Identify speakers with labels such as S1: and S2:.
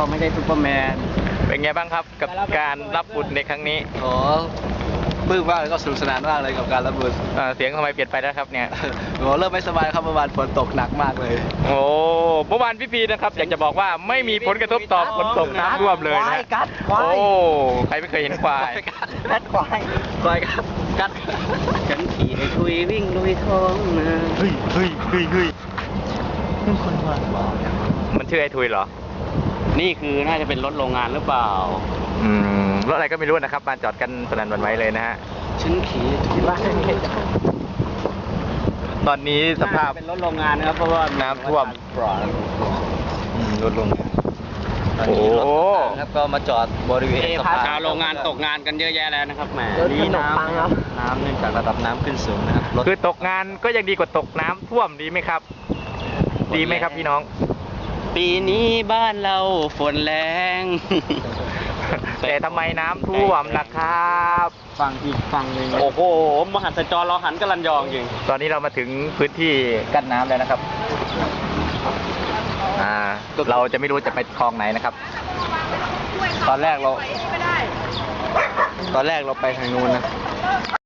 S1: เราไม่ได้ซูเปอร์แมน
S2: เป็นไงบ้างครับกับการรับบุญในครั้งนี้
S3: โอ้ปลื้มมากเลยก็สนุกสนานมากเลยกับการรับบุญ
S2: เสียงทำไมเปลี่ยนไปแล้วครับเนี่ย
S3: โอ้เริ่มไม่สบายครับเมื่อวานฝนตกหนักมากเลย
S2: โอ้เมื่อวานพี่พีนะครับอยากจะบอกว่าไม่มีผลกระทบต่อฝนตกน้ำท่วมเลยนะโอ้ใครไม่เคยเห็นควาย
S1: กัดควายครับกัดฉันขี่ในทุยวิ่งลุยท้องนา
S2: เฮ้ย
S1: นี่คนว่า
S2: มันชื่อไอ้ทุยเหรอ
S1: นี่คือน่าจะเป็นรถโรงงานหรือเปล่าร
S2: ถอะไรก็ไม่รู้นะครับมาจอดกันสนั่นหวั่นไหวเลยนะฮะ
S1: ฉันขี่ที่บ้าน
S2: ตอนนี้สภาพ
S1: เป็นรถโรงงานนะครับเพราะว่า
S2: น้ำท่วม
S3: รถโรงงาน
S2: โอ้
S3: ครับก็มาจอดบริเวณ
S1: ชาวโรงงานตกงานกันเยอะแยะแล้วนะครับแหม
S3: นี่น้ำเนื่องจากระดับน้ำขึ้นสูงนะครับ
S2: คือตกงานก็ยังดีกว่าตกน้ำท่วมดีไหมครับดีไหมครับพี่น้อง
S1: ปีนี้บ้านเราฝนแรง
S2: แต่ทำไมน้ำท่วมล่ะครับ
S1: ฟังอีกฟังหนึ่งโอ้โหมหัศจรรย์เราหันกระลันยองจริง
S2: ตอนนี้เรามาถึงพื้นที่กั้นน้ำแล้วนะครับเราจะไม่รู้จะไปคลองไหนนะครับ
S3: ตอนแรกเราไปทางนู้นนะ